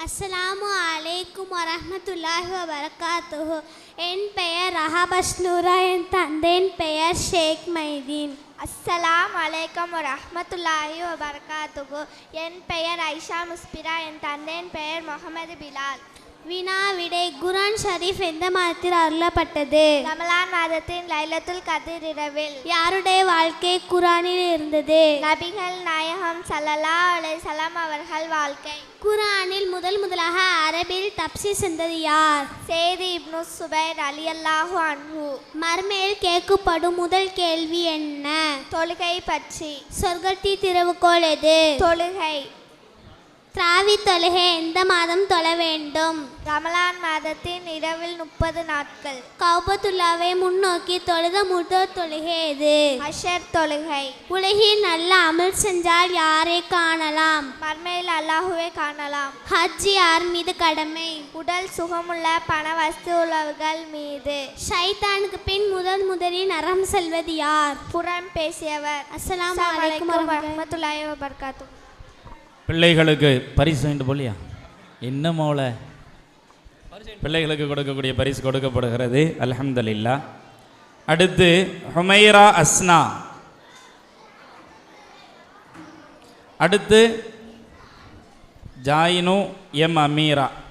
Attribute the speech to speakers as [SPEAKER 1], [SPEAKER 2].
[SPEAKER 1] அஸ்ஸலாமு அலைக்கும் வரஹ்மத்துல்லாஹி வபரகாத்துஹு. என் பெயர் ரஹபஸ்னூரா. என் தந்தையின் பெயர் ஷேக் மைதீன்.
[SPEAKER 2] அஸ்ஸலாமு அலைக்கும் வரஹ்மத்துல்லாஹி வபரகாத்துஹு. என் பெயர் ஐஷா முஸ்பிரா. என் தந்தையின் பெயர் முகமது பிலால்.
[SPEAKER 1] வினா விடை. குர்ஆன் ஷரீஃப் எந்த மாதத்தில் அருளப்பட்டது?
[SPEAKER 2] ரமலான் மாதத்தின் லைலத்துல் கத்ர் இரவில்.
[SPEAKER 1] யாருடைய வாழ்க்கை குர்ஆனில் இருந்தது?
[SPEAKER 2] நபிகள் நாயகம் ஸல்லல்லாஹு அலைஹி வஸல்லம் அவர்கள் வாழ்க்கை.
[SPEAKER 1] குர்ஆனில் முதலாக அரபியில் தப்சீர் செஞ்சது யார்?
[SPEAKER 2] சேதி இப்னு சுபைர் ரலியல்லாஹு அன்ஹு.
[SPEAKER 1] மர்மையில் கேட்கப்படும் முதல் கேள்வி என்ன?
[SPEAKER 2] தொழுகை பற்றி.
[SPEAKER 1] சொர்க்கத்தின் திறவுகோல் எது?
[SPEAKER 2] தொழுகை.
[SPEAKER 1] திராவி தொழுகை எந்த மாதம் தொழ வேண்டும்?
[SPEAKER 2] ரமலான் மாதத்தின் இரவில் 30 நாட்கள்.
[SPEAKER 1] கௌபத்துல்லாவை முன்னோக்கி தொழுத முதல் தொழுகை எது?
[SPEAKER 2] அஷர் தொழுகை.
[SPEAKER 1] உலகில் நல்ல அமல் செஞ்சால் யாரை காணலாம்?
[SPEAKER 2] மர்மையில் அல்லாஹுவை காணலாம்.
[SPEAKER 1] ஹஜ் யார் மீது கடமை?
[SPEAKER 2] உடல் சுகமுள்ள பண வஸ்து உள்ளவர்கள் மீது.
[SPEAKER 1] ஷைத்தானுக்கு பின் முதலில் நரகம் செல்வது யார்?
[SPEAKER 2] புறம் பேசியவர்.
[SPEAKER 1] அஸ்ஸலாமு அலைக்கும்
[SPEAKER 2] வரஹ்மத்துல்லாஹி வபரகாத்துஹு.
[SPEAKER 3] பிள்ளைகளுக்கு பரிசு வேண்டும் போலியா? என்ன மோல பிள்ளைகளுக்கு கொடுக்கக்கூடிய பரிசு கொடுக்கப்படுகிறது. அல்ஹம்துலில்லாஹ். அடுத்து ஹுமைரா அஸ்னா. அடுத்து ஜாயினு எம் அமீரா.